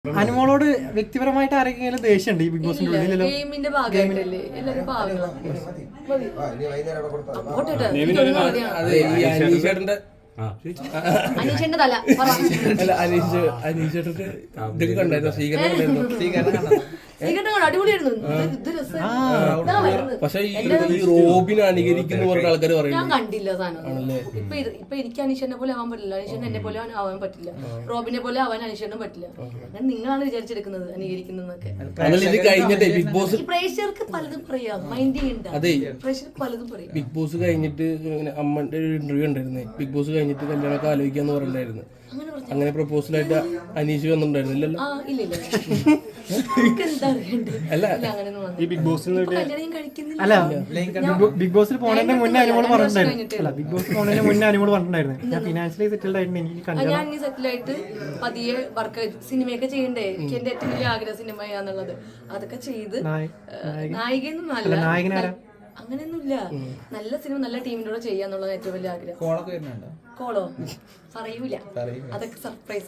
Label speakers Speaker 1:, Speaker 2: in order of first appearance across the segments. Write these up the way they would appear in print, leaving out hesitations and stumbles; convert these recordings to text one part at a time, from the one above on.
Speaker 1: അനുമോളോട് വ്യക്തിപരമായിട്ട് ആരെങ്കിലും ദേഷ്യമുണ്ട് ഈ ബിഗ് ബോസിന്റെ ഉള്ളിലല്ലോ?
Speaker 2: ഗെയിമിന്റെ ഭാഗമായിട്ടല്ലേ എല്ലാവരും പാവങ്ങളാണ്. അനീഷന്റെ തല
Speaker 3: അനീഷേട്ടന്റെ ഇതൊക്കെ കണ്ടായിരുന്നു, സ്വീകരണം
Speaker 2: അടിപൊളിയായിരുന്നു.
Speaker 3: പക്ഷെ ഈ റോബിനെ അനുകരിക്കുന്ന പറഞ്ഞ ആൾക്കാർ
Speaker 2: ഞാൻ കണ്ടില്ല സാധനം. ഇപ്പൊ എനിക്ക് അനീഷനെ പോലെ ആവാൻ പറ്റില്ല, അനീഷന് എന്നെ പോലെ ആവാൻ പറ്റില്ല, റോബിനെ പോലെ ആവാൻ അനീഷനും പറ്റില്ല. അങ്ങനെ നിങ്ങളാണ് വിചാരിച്ചെടുക്കുന്നത് അനുകരിക്കുന്നതൊക്കെ.
Speaker 3: കഴിഞ്ഞിട്ട് ബിഗ് ബോസ്
Speaker 2: പ്രേക്ഷകർക്ക് പലതും പറയാം, മൈൻഡ് ചെയ്യണ്ട. പ്രേക്ഷകർക്ക് പലതും പറയാം.
Speaker 3: ബിഗ് ബോസ് കഴിഞ്ഞിട്ട് അമ്മന്റെ ഒരു ഇന്റർവ്യൂ ഉണ്ടായിരുന്നേ, ബിഗ് ബോസ് കഴിഞ്ഞിട്ട് കല്യാണമൊക്കെ ആലോചിക്കാന്ന് പറഞ്ഞിട്ടുണ്ടായിരുന്നു. അങ്ങനെ പ്രപ്പോസലായിട്ട് അനീഷ് വന്നിട്ടുണ്ടായിരുന്നില്ലല്ലോ?
Speaker 1: ഈ ബിഗ് ബോസിൽ അല്ല, ബിഗ് ബോസിൽ പോണതിന്റെ മുന്നേ അനുമോള് പറഞ്ഞിട്ടുണ്ടായിരുന്നു. അല്ല, ബിഗ് ബോസിൽ പോണതിന്റെ മുന്നേ അനുമോള് പറഞ്ഞിട്ടുണ്ടായിരുന്നു, ഞാൻ ഫിനാൻഷ്യലി സെറ്റിൽഡ് ആയിട്ട് എനിക്ക്
Speaker 2: ഞാൻ സെറ്റിൽ ആയിട്ട് പതിയെ വർക്ക് സിനിമയൊക്കെ ചെയ്യണ്ടേ. എനിക്ക് എന്റെ ഏറ്റവും വലിയ ആഗ്രഹം സിനിമയാന്നുള്ളത്. അതൊക്കെ ചെയ്ത് നായികയൊന്നും അല്ല,
Speaker 1: നായകനാരാ
Speaker 2: അങ്ങനെയൊന്നുമില്ല. നല്ല സിനിമ നല്ല ടീമിന്റെ കൂടെ ചെയ്യാന്നുള്ളത് ഏറ്റവും വലിയ ആഗ്രഹം. കോളോ പറയൂല, അതൊക്കെ സർപ്രൈസ്.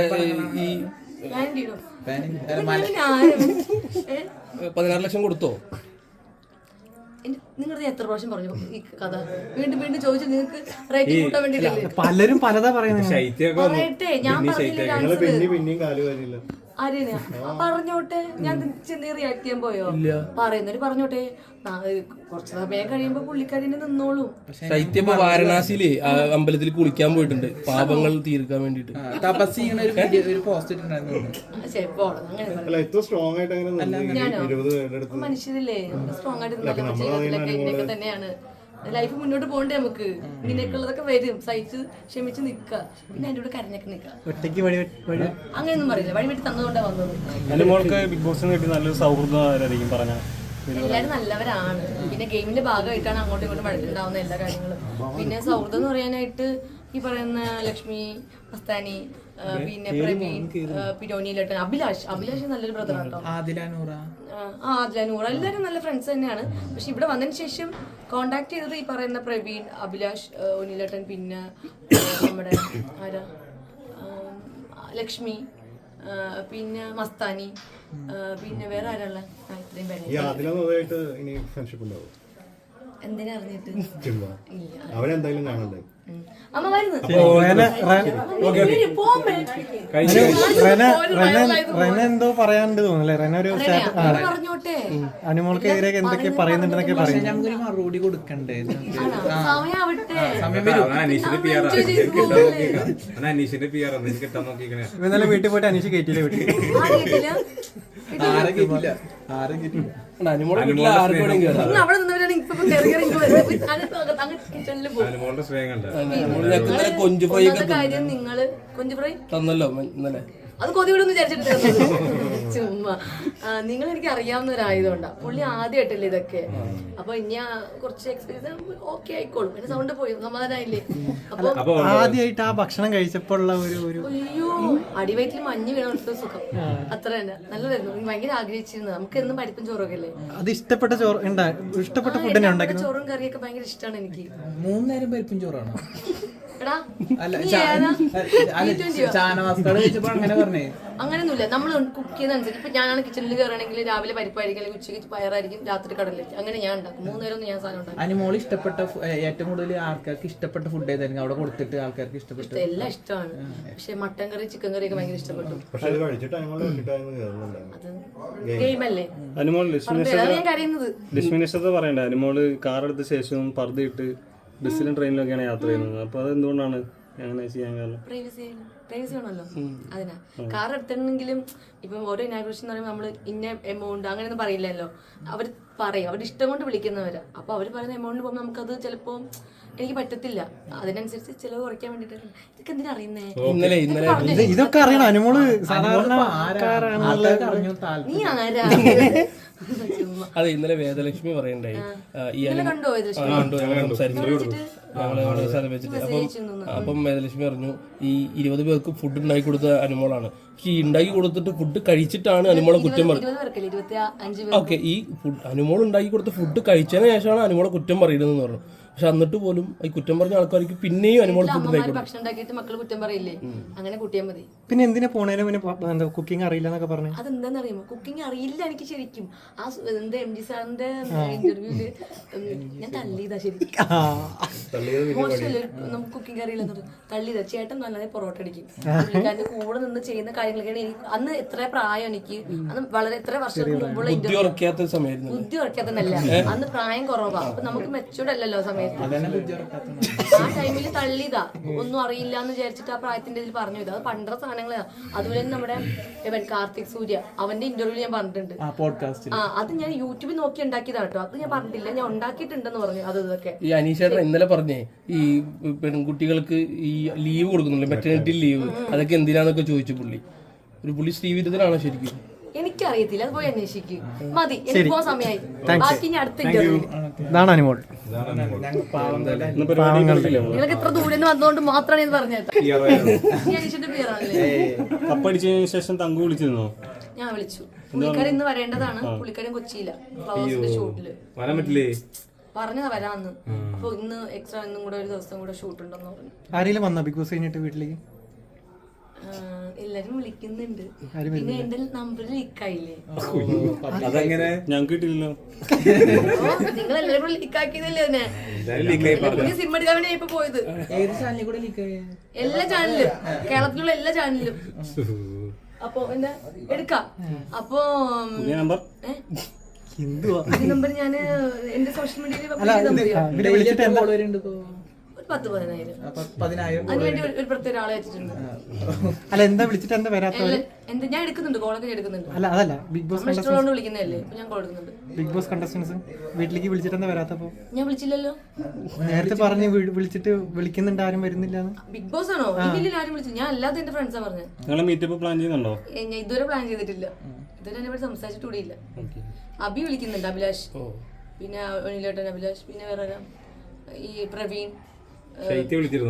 Speaker 3: 16 ലക്ഷം കൊടുത്തോ?
Speaker 2: നിങ്ങൾ എത്ര പ്രാവശ്യം പറഞ്ഞു ഈ കഥ? വീണ്ടും വീണ്ടും ചോദിച്ചു. നിങ്ങൾക്ക് റേറ്റിംഗ് കൂട്ടാൻ വേണ്ടിയിട്ടല്ലേ?
Speaker 1: പലരും പലതാ പറയുന്നത്.
Speaker 2: പറയട്ടെ, ഞാൻ പറഞ്ഞില്ല. ആരെയാ പറഞ്ഞോട്ടെ, ഞാൻ ചെന്ന് റിയാക്ട് ചെയ്യാൻ പോയോ? പറയുന്നവര് പറഞ്ഞോട്ടെ, കുറച്ച് സമയം കഴിയുമ്പോ പുള്ളിക്കാരിനെ നിന്നോളൂ.
Speaker 3: ശൈത്യം വാരണാസിയില് അമ്പലത്തിൽ കുളിക്കാൻ പോയിട്ടുണ്ട് പാപങ്ങൾ തീർക്കാൻ വേണ്ടിട്ട്.
Speaker 2: മനുഷ്യരില്ലേ, സ്ട്രോങ് ആയിട്ട് ഇങ്ങനെയൊക്കെ തന്നെയാണ് ലൈഫ് മുന്നോട്ട് പോകണ്ടേ. നമുക്ക് ഇങ്ങനെയൊക്കെയുള്ളതൊക്കെ വരും, സഹിച്ച് ക്ഷമിച്ച് നിക്കുക. പിന്നെ അതിന്റെ കൂടെ കരഞ്ഞൊക്കെ നിൽക്കുക. അങ്ങനെയൊന്നും പറയില്ല, വഴിവെട്ടി തന്നതുകൊണ്ടാ വന്നത്.
Speaker 1: ബിഗ് ബോസിന് കിട്ടി നല്ലൊരു സൗഹൃദം പറഞ്ഞ
Speaker 2: എല്ലാവരും നല്ലവരാണ്. പിന്നെ ഗെയിമിന്റെ ഭാഗമായിട്ടാണ് അങ്ങോട്ടും ഇങ്ങോട്ടും വഴക്കുണ്ടാവുന്ന എല്ലാ കാര്യങ്ങളും. പിന്നെ സൗഹൃദം എന്ന് പറയാനായിട്ട് ഈ പറയുന്ന ലക്ഷ്മി, മസ്താനി, പിന്നെ പ്രവീൺ, പിരോനിയിലട്ടൻ, അഭിലാഷ് നല്ലൊരു ബ്രദറാണ് കേട്ടോ. ആദില നൂറ എല്ലാവരും നല്ല ഫ്രണ്ട്സ് തന്നെയാണ്. പക്ഷെ ഇവിടെ വന്നതിന് ശേഷം കോണ്ടാക്ട് ചെയ്തത് ഈ പറയുന്ന പ്രവീൺ, അഭിലാഷ്, ഒനിലേട്ടൻ, പിന്നെ നമ്മുടെ ആരാ ലക്ഷ്മി, പിന്നെ മസ്താനി, പിന്നെ വേറെ ആരാളെ ഇത്രയും പേരെ. എന്തിനാ അറിഞ്ഞിട്ട്? അമ്മ വരുന്നു.
Speaker 1: എന്തോ പറയാനുണ്ട് തോന്നുന്നല്ലേ? റെന ഒരു
Speaker 2: പറഞ്ഞോട്ടെ,
Speaker 1: അനുമോൾക്കെതിരെ എന്തൊക്കെ പറയുന്നുണ്ടെന്നൊക്കെ പറയും.
Speaker 4: മറുപടി കൊടുക്കണ്ടേ?
Speaker 1: ഇന്നലെ വീട്ടിൽ പോയിട്ട് അനീഷ് കയറ്റിയില്ല. വീട്ടിൽ
Speaker 3: തന്നല്ലോ ഇന്നലെ.
Speaker 2: അത് കൊതിവിടൊന്നും വിചാരിച്ചിട്ടില്ല. ചുമ്മാ നിങ്ങൾ എനിക്ക് അറിയാവുന്നവരായതുകൊണ്ടാ. പുള്ളി ആദ്യമായിട്ടല്ലേ ഇതൊക്കെ. അപ്പൊ ഇനി കുറച്ച് എക്സ്പീരിയൻസ് ഓക്കെ ആയിക്കോളും. എന്റെ സൗണ്ട് പോയി, സമാധാനായില്ലേ? അപ്പൊ
Speaker 1: ആദ്യമായിട്ട് ആ ഭക്ഷണം കഴിച്ചപ്പോൾ
Speaker 2: അയ്യോ, അടിവയറ്റിൽ മഞ്ഞ് വീണ സുഖം, അത്ര തന്നെ. നല്ലതായിരുന്നു. ഭയങ്കര ആഗ്രഹിച്ചിരുന്നത്. നമുക്ക് എന്നും പരിപ്പും ചോറൊക്കെ അല്ലേ?
Speaker 1: അത് ഇഷ്ടപ്പെട്ട ഫുഡ്
Speaker 2: ചോറും കറിയൊക്കെ ഭയങ്കര ഇഷ്ടമാണ് എനിക്ക്.
Speaker 4: 3 നേരം പരിപ്പും ചോറാണ്.
Speaker 2: അങ്ങനെയൊന്നുമില്ല. നമ്മൾ കുക്ക് ചെയ്യുന്നതനുസരിച്ച് ഇപ്പൊ ഞാനാണ് കിച്ചണിൽ കയറണമെങ്കിൽ രാവിലെ പരിപ്പായിരിക്കും, അല്ലെങ്കിൽ ഉച്ചയ്ക്ക് പയറായിരിക്കും, രാത്രി കടലായിരിക്കും. അങ്ങനെ ഞാൻ ഉണ്ടാക്കും. 3 നേരം ഞാൻ സാധനം ഉണ്ടാക്കും.
Speaker 4: അനുമോൾ ഇഷ്ടപ്പെട്ട ഏറ്റവും കൂടുതൽ ആൾക്കാർക്ക് ഇഷ്ടപ്പെട്ട ഫുഡ് ഏതായിരിക്കും അവിടെ കൊടുത്തിട്ട് ആൾക്കാർക്ക് ഇഷ്ടപ്പെട്ടു?
Speaker 2: എല്ലാം ഇഷ്ടമാണ്. പക്ഷെ മട്ടൻ കറി, ചിക്കൻ കറി ഒക്കെ ഭയങ്കര ഇഷ്ടപ്പെട്ടു. അത് ഗെയിമല്ലേ, ഞാൻ കരയുന്നത്.
Speaker 5: ലക്ഷ്മി പറയണ്ടേ, അനുമോള് കാർ എടുത്ത ശേഷവും പർദ്ദയിട്ട് ബസ്സിലും ട്രെയിനിലൊക്കെയാണ് യാത്ര ചെയ്യുന്നത്. അപ്പൊ അതെന്തുകൊണ്ടാണ് അങ്ങനെ ചെയ്യാൻ കാരണം?
Speaker 2: പ്രൈവസി ആണല്ലോ, അതിനാ. കാർ എടുത്തിട്ടുണ്ടെങ്കിലും ഇപ്പം ഓരോ ഇനാഗ്രേഷൻ എന്ന് പറയുമ്പോൾ നമ്മൾ ഇന്ന എമൗണ്ട് അങ്ങനെയൊന്നും പറയില്ലല്ലോ. അവർ പറയും, അവരുടെ ഇഷ്ടം കൊണ്ട് വിളിക്കുന്നവരാ. അപ്പൊ അവർ പറയുന്ന എമൗണ്ടിൽ പോകുമ്പോൾ നമുക്കത് ചിലപ്പോൾ എനിക്ക് പറ്റത്തില്ല. അതിനനുസരിച്ച് ചിലവ് കുറയ്ക്കാൻ വേണ്ടിട്ട്. ഇതൊക്കെ എന്തിനാ അറിയുന്നേ?
Speaker 1: ഇതൊക്കെ അറിയണം അനുമോള് സാധാരണ.
Speaker 2: നീ ആരാ?
Speaker 3: അതെ, ഇന്നലെ വേദലക്ഷ്മി പറയണ്ടായി.
Speaker 2: കണ്ടോ
Speaker 3: അപ്പം വേദലക്ഷ്മി പറഞ്ഞു ഈ 20 പേർക്ക് ഫുഡ് ഉണ്ടാക്കി കൊടുത്ത അനുമോളാണ്. പക്ഷെ ഈ ഉണ്ടാക്കി കൊടുത്തിട്ട് ഫുഡ് കഴിച്ചിട്ടാണ് അനുമോളെ കുറ്റം പറയുന്നത്. ഓക്കെ, ഈ അനുമോൾ ഉണ്ടാക്കി കൊടുത്ത ഫുഡ് കഴിച്ചതിന് ശേഷമാണ് അനുമോളെ കുറ്റം പറയുന്നതെന്ന് പറഞ്ഞു. പക്ഷെ എന്നിട്ട് പോലും ഈ കുറ്റം പറഞ്ഞ ആൾക്കാർക്ക് പിന്നെയും അനുമോൾ ഫുഡ്
Speaker 2: അമ്മമാര് ഭക്ഷണം ഉണ്ടാക്കിയിട്ട് മക്കള് കുറ്റം പറയില്ലേ, അങ്ങനെ കൂട്ടിയാൽ മതി.
Speaker 1: പിന്നെ എന്തിനാ പോണേനെ പിന്നെ കുക്കിംഗ് അറിയില്ല എന്നൊക്കെ പറഞ്ഞു?
Speaker 2: അതെന്താന്ന് അറിയുമോ, കുക്കിംഗ് അറിയില്ല എനിക്ക് ശരിക്കും. ആ എന്താ MG സാറിന്റെ ഇന്റർവ്യൂല് ഞാൻ തള്ളിയതാ ശരിക്കും. മോശമല്ലേ നമുക്ക് കുക്കിംഗ് അറിയില്ലെന്നത്, തള്ളിയതാ. ചേട്ടൻ നല്ലതായി പൊറോട്ട അടിക്കും, പുള്ളിക്കാരന്റെ കൂടെ നിന്ന് ചെയ്യുന്ന കാര്യങ്ങളൊക്കെയാണ് എനിക്ക് അന്ന് എത്ര പ്രായം എനിക്ക് അന്ന് വളരെ എത്ര വർഷങ്ങൾക്ക് മുമ്പുള്ള ഇന്റർവ്യൂ. ബുദ്ധി ഉറക്കാത്തന്നല്ല, അന്ന് പ്രായം കുറവാ, അപ്പൊ നമുക്ക് മെച്ചൂർഡ് അല്ലല്ലോ സമയത്ത്. ആ ടൈമിൽ തള്ളിയതാ, ഒന്നും അറിയില്ല എന്ന് വിചാരിച്ചിട്ട് ആ പ്രായത്തിന്റെ ഇതിൽ പറഞ്ഞു. അത് പണ്ടത്തെ സാധനങ്ങളാ. അതുപോലെ തന്നെ നമ്മുടെ കാർത്തിക് സൂര്യ, അവന്റെ ഇന്റർവ്യൂ ഞാൻ പറഞ്ഞിട്ടുണ്ട്. അത് ഞാൻ യൂട്യൂബിൽ നോക്കി ഉണ്ടാക്കിയതാ കേട്ടോ, അത് ഞാൻ പറഞ്ഞിട്ടില്ല, ഞാൻ ഉണ്ടാക്കിയിട്ടുണ്ടെന്ന് പറഞ്ഞു. അതൊക്കെ
Speaker 3: ഈ അനീഷേട്ടൻ ഇന്നലെ പറഞ്ഞേ ഈ പെൺകുട്ടികൾക്ക് ഈ ലീവ് കൊടുക്കുന്നില്ല, മെറ്റേണിറ്റി ലീവ്, അതൊക്കെ എന്തിനാന്നൊക്കെ ചോദിച്ചു പുള്ളി ശ്രീവിരുദ്ധനാണോ ശരിക്കും?
Speaker 2: എനിക്കറിയത്തില്ല, അത് പോയി അന്വേഷിക്കും. മതി, എനിക്ക് പോകാൻ സമയമായി. ബാക്കി ഇനി അടുത്ത ഇന്റർവ്യൂ.
Speaker 1: ഇതാണ് അനുമോൾ.
Speaker 2: നിങ്ങൾക്ക് എത്ര ദൂരെ വന്നുകൊണ്ട് മാത്രമാണ് ഇത് പറഞ്ഞത്. അനീഷിന്റെ പേരാണല്ലേ?
Speaker 5: കപ്പടിച്ചതിന് ശേഷം തങ്കു വിളിച്ചിരുന്നോ?
Speaker 2: ഞാൻ വിളിച്ചു. പുള്ളിക്കാരൻ ഇന്ന് വരേണ്ടതാണ്, പുള്ളിക്കാരൻ കൊച്ചിയില്ല, ഫ്ലവേഴ്സിന്റെ ഷൂട്ടില്.
Speaker 5: വരാൻ പറ്റില്ലേ?
Speaker 2: പറഞ്ഞതാ വരാന്ന്. അപ്പൊ ഇന്ന് എക്സ്ട്രാ ഇന്നും കൂടെ ഒരു ദിവസം കൂടെ ഷൂട്ട് ഉണ്ടെന്ന് പറഞ്ഞു.
Speaker 1: ആരെങ്കിലും വന്നോ ബിഗ് ബോസ് കഴിഞ്ഞിട്ട് വീട്ടിലേക്ക്?
Speaker 2: എല്ലാരും വിളിക്കുന്നുണ്ട്. പിന്നെ എന്റെ നമ്പർ ലീക്കായില്ലേ?
Speaker 5: അതെങ്ങനെ? ഞങ്ങൾക്ക് കിട്ടില്ലല്ലോ.
Speaker 2: നിങ്ങൾ എല്ലാരും ലീക്കാക്കിയതല്ലേ അതിനെ? സിം എടുക്കാൻ വേണ്ടി ഇപ്പൊ പോയത്. എല്ലാ ചാനലിലും, കേരളത്തിലുള്ള എല്ലാ ചാനലിലും. അപ്പൊ എന്താ എടുക്കാം. അപ്പൊ നമ്പർ ഞാന് എന്റെ സോഷ്യൽ മീഡിയയിൽ 10,000 അതിനുവേണ്ടി ഒരു പ്രത്യേക ഒരാളെ വെച്ചിട്ടുണ്ട്.
Speaker 1: അല്ല എന്താ വിളിച്ചിട്ട് എന്താ വരാത്തത്?
Speaker 2: എന്താ ഞാൻ എടുക്കുന്നുണ്ട്, കോളൊക്കെ എടുക്കുന്നുണ്ട്.
Speaker 1: അല്ല അതല്ല ബിഗ് ബോസ്
Speaker 2: ഇഷ്ടമുള്ളതുകൊണ്ട് വിളിക്കുന്നതല്ലേ, ഞാൻ കോൾ എടുക്കുന്നുണ്ട്.
Speaker 1: ബിഗ് ബോസ് കണ്ടസ്റ്റൻസ് വീട്ടിലേക്ക് വിളിച്ചിട്ട് എന്താ വരാത്തപ്പോ?
Speaker 2: ഞാൻ വിളിച്ചില്ലല്ലോ,
Speaker 1: നേരത്തെ പറഞ്ഞു വിളിച്ചിട്ട് വിളിക്കുന്നുണ്ട്, ആരും വരുന്നില്ല.
Speaker 2: ബിഗ് ബോസ് ആണോ? ഇല്ല, ആരും വിളിച്ചില്ല. ഞാൻ അല്ലാതെ എന്റെ ഫ്രണ്ട്സാ പറഞ്ഞത്.
Speaker 5: നിങ്ങൾ മീറ്റപ്പ് പ്ലാൻ ചെയ്യുന്നുണ്ടോ?
Speaker 2: ഞാൻ ഇതുവരെ പ്ലാൻ ചെയ്തിട്ടില്ല, ഇതുവരെ എന്നെ സംസാരിച്ചിട്ട് കൂടിയില്ല. അബി വിളിക്കുന്നുണ്ട്, അഭിലാഷ്, പിന്നെ ഒനിലേട്ടൻ അഭിലാഷ്, പിന്നെ വേറെ ഈ പ്രവീൺ.
Speaker 5: വിളിച്ചിരുന്നോ?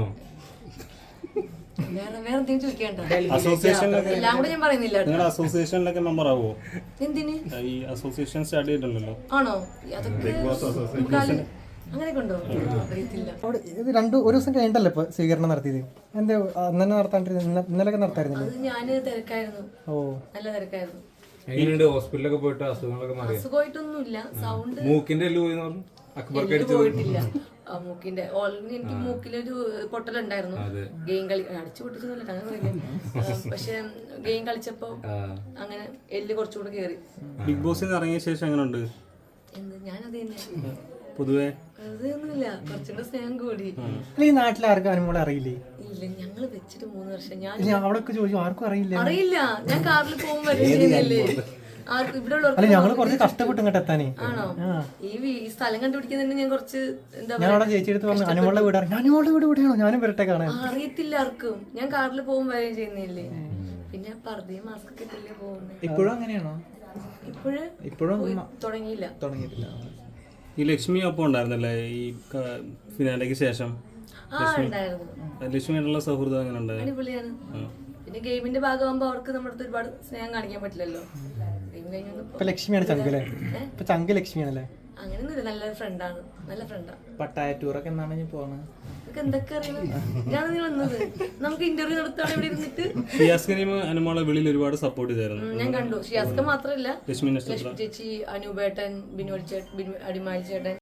Speaker 2: വേറെ എന്തെങ്കിലും ചോദിക്കണ്ട, എല്ലാം കൂടെ ഞാൻ പറയുന്നില്ല.
Speaker 5: അസോസിയേഷനിലൊക്കെ മെമ്പർ ആവോ?
Speaker 2: എന്തിന്?
Speaker 5: ഈ അസോസിയേഷൻ സ്റ്റാർട്ട് ചെയ്തിട്ടുണ്ടല്ലോ.
Speaker 2: ആണോ? അതൊക്കെ അങ്ങനെയൊക്കെ ഉണ്ടോ? അറിയത്തില്ല.
Speaker 1: ഒരു ദിവസം കഴിഞ്ഞിട്ടല്ലേ ഇപ്പൊ സ്വീകരണം നടത്തിയത്? എന്താ അന്നെ നടത്താണ്ടിരുന്ന? ഇന്നലൊക്കെ നടത്തായിരുന്നു.
Speaker 2: അത് ഞാന് തിരക്കായിരുന്നു, നല്ല തിരക്കായിരുന്നു.
Speaker 6: ഹോസ്പിറ്റലൊക്കെ പോയിട്ട് അസുഖങ്ങളൊക്കെ മാറി?
Speaker 2: അസുഖമായിട്ടൊന്നുമില്ല, സൗണ്ട്
Speaker 6: മൂക്കിന്റെ
Speaker 2: പോയിട്ടില്ല. മൂക്കിന്റെ ഓൾറെഡി എനിക്ക് മൂക്കിലൊരു പൊട്ടലുണ്ടായിരുന്നു. ഗെയിം കളി അടിച്ചു പൊട്ടിച്ചൊന്നുമില്ല, അങ്ങനെ പറയില്ലേ. പക്ഷെ ഗെയിം കളിച്ചപ്പോ അങ്ങനെ എല്ല് കുറച്ചുകൂടെ കേറി.
Speaker 5: ബിഗ് ബോസിൽ ഇറങ്ങിയ ശേഷം എങ്ങനെയുണ്ട്?
Speaker 2: ഞാനത് തന്നെ
Speaker 5: പൊതുവെ
Speaker 2: അതൊന്നുമില്ല, കുറച്ചുകൂടെ സ്നേഹം കൂടി.
Speaker 1: ഈ നാട്ടിൽ ആർക്കും അനുമോളെ അറിയില്ലേ?
Speaker 2: ഇല്ല, ഞങ്ങള് വെച്ചിട്ട് 3 വർഷം. ഞാൻ
Speaker 1: അവിടെ ചോദിച്ചു, ആർക്കും അറിയില്ല.
Speaker 2: ഞാൻ കാറിൽ പോകുമ്പോ ചെയ്യുന്നില്ലേ,
Speaker 1: അല്ല ഞങ്ങള് കുറച്ച് കഷ്ടപ്പെട്ടു ഇങ്ങോട്ട് എത്താനേ.
Speaker 2: ആണോ? ഈ സ്ഥലം കണ്ടുപിടിക്കുന്നതിന് ഞാൻ കുറച്ച്
Speaker 1: ഞാൻ അവിടെ ചേച്ചി എടുത്ത് പറഞ്ഞു അനുമോളുടെ വീട്, അനുമോളുടെ വീട് എവിടെയാണോ, ഞാനും വരട്ടെ കാണാൻ.
Speaker 2: അറിയത്തില്ല ആർക്കും. ഞാൻ കാറിൽ പോകും വരെ ചെയ്യുന്നില്ലേ, പിന്നെ പർദ്ദയും മാസ്ക് ഒക്കെ ഇട്ടല്ലേ പോകുന്നത്.
Speaker 4: ഇപ്പോഴും അങ്ങനെയാണോ?
Speaker 2: ഇപ്പോഴും തുടങ്ങിയില്ല.
Speaker 5: ഈ ലക്ഷ്മി ഒപ്പം ഉണ്ടായിരുന്നല്ലേ ഈ ഫിനാലയ്ക്ക് ശേഷം? ലക്ഷ്മിയായിട്ടുള്ള സൗഹൃദം അങ്ങനെ ഉണ്ടായിരുന്നു.
Speaker 2: അടിപൊളിയാണ്. പിന്നെ ഗെയിമിന്റെ ഭാഗമാകുമ്പോ അവർക്ക് നമ്മുടെ അടുത്ത് ഒരുപാട് സ്നേഹം കാണിക്കാൻ പറ്റില്ലല്ലോ.
Speaker 1: ലക്ഷ്മിയാണ് ചങ്ക് അല്ലേ? ഇപ്പൊ ചങ്ക് ലക്ഷ്മിയാണല്ലേ?
Speaker 2: അങ്ങനെയൊന്നുമില്ല, നല്ലൊരു ഫ്രണ്ടാണ്, നല്ല ഫ്രണ്ടാ.
Speaker 4: പട്ടായ ടൂറൊക്കെ എന്നാണ് പോണത്?
Speaker 2: എന്തൊക്കെ അറിയണം, ഞാൻ വന്നത്. നമുക്ക് ഇന്റർവ്യൂ നടത്താൻ ഇവിടെ ഇരുന്നിട്ട്
Speaker 5: അനുമോളെ വെളിയിൽ ഒരുപാട് സപ്പോർട്ട് ചെയ്തായിരുന്നു.
Speaker 2: ഞാൻ കണ്ടു. ഷിയാസ്ക മാത്രല്ല,
Speaker 5: ലക്ഷ്മി
Speaker 2: ചേച്ചി, അനൂപേട്ടൻ, ബിനോദ് ചേട്ടൻ, അടിമാലി ചേട്ടൻ,